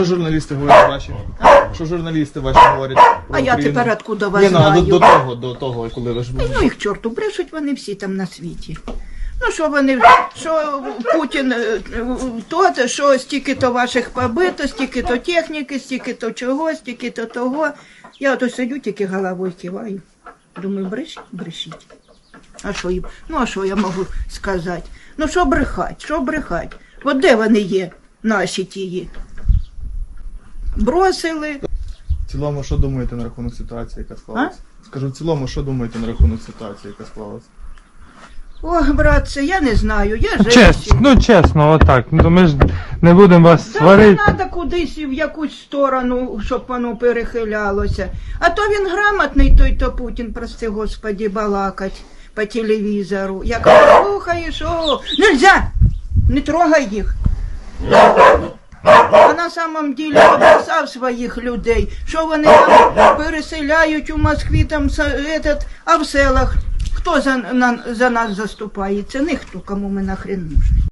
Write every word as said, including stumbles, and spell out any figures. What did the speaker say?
Що журналісти говорять ваші? Що журналісти ваші говорять про А я Україну? тепер откуда вас Ні, ну, а знаю? до, до того, до того, коли ви ж були. Ну їх чорту, брешуть вони всі там на світі. Ну що вони, що Путін, е, то, що стільки-то ваших побито, стільки-то техніки, стільки-то чого, стільки-то того. Я ото сидю, тільки головою киваю. Думаю, брешіть, брешіть. А що їм? Ну а що я можу сказати? Ну що брехать, що брехать? От де вони є, наші тії? Бросили. В цілому, що думаєте на рахунок ситуації, яка склалася? Скажу, в цілому, що думаєте на рахунок ситуації, яка склалася? Ох, братце, я не знаю, я Чесно, женщина. ну чесно, отак. Ну ми ж не будемо вас Та не сварити. треба кудись в якусь сторону, щоб воно перехилялося. А то він грамотний, той то Путін, прости господі, балакать по телевізору. Як слухаєш, о, нельзя, не трогай їх. А на самом деле обрисав своїх людей, що вони там переселяють у Москві, там, этот, а в селах хто за, на, за нас заступається? Ніхто, кому ми нахрен нужні.